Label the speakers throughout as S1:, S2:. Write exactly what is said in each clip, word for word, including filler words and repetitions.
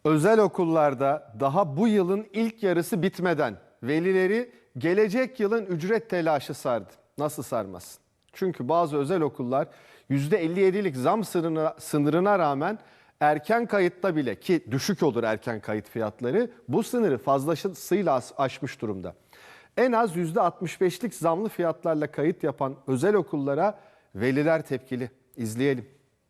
S1: Özel okullarda daha bu yılın ilk yarısı bitmeden velileri gelecek yılın ücret telaşı sardı. Nasıl sarmasın? Çünkü bazı özel okullar yüzde elli yedilik zam sınırına, sınırına rağmen erken kayıtta bile, ki düşük olur erken kayıt fiyatları, bu sınırı fazlasıyla aşmış durumda. En az yüzde altmış beşlik zamlı fiyatlarla kayıt yapan özel okullara veliler tepkili. İzleyelim.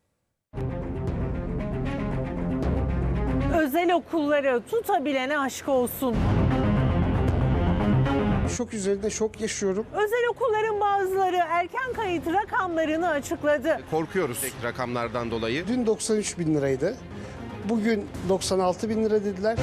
S2: Özel okulları tutabilene aşk olsun.
S3: Şok üzerinde şok yaşıyorum.
S2: Özel okulların bazıları erken kayıt rakamlarını açıkladı.
S4: Korkuyoruz rakamlardan dolayı.
S3: Dün doksan üç bin liraydı. Bugün doksan altı bin lira dediler.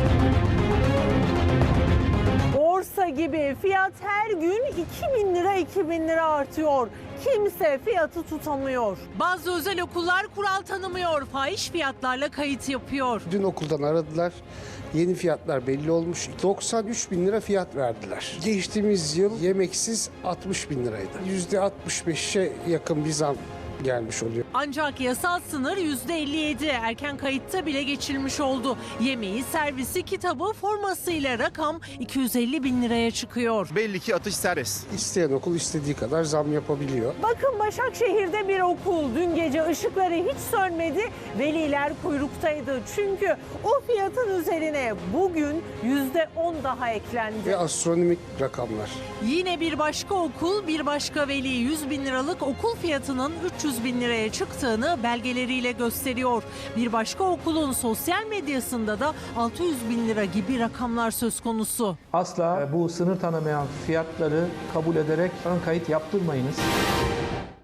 S2: Borsa gibi fiyat her gün iki bin lira iki bin lira artıyor. Kimse fiyatı tutamıyor. Bazı özel okullar kural tanımıyor. Fahiş fiyatlarla kayıt yapıyor.
S3: Dün okuldan aradılar. Yeni fiyatlar belli olmuş. doksan üç bin lira fiyat verdiler. Geçtiğimiz yıl yemeksiz altmış bin liraydı. yüzde altmış beşe yakın bir zam gelmiş oluyor.
S2: Ancak yasal sınır yüzde elli yedi. Erken kayıtta bile geçilmiş oldu. Yemeği, servisi, kitabı, formasıyla rakam iki yüz elli bin liraya çıkıyor.
S4: Belli ki atış serbest.
S3: İsteyen okul istediği kadar zam yapabiliyor.
S2: Bakın Başakşehir'de bir okul dün gece ışıkları hiç sönmedi. Veliler kuyruktaydı. Çünkü o fiyatın üzerine bugün yüzde on daha eklendi.
S3: Ve astronomik rakamlar.
S2: Yine bir başka okul, bir başka veli yüz bin liralık okul fiyatının üç yüz bin liraya çıktığını belgeleriyle gösteriyor. Bir başka okulun sosyal medyasında da altı yüz bin lira gibi rakamlar söz konusu.
S5: Asla bu sınır tanımayan fiyatları kabul ederek ön kayıt yaptırmayınız.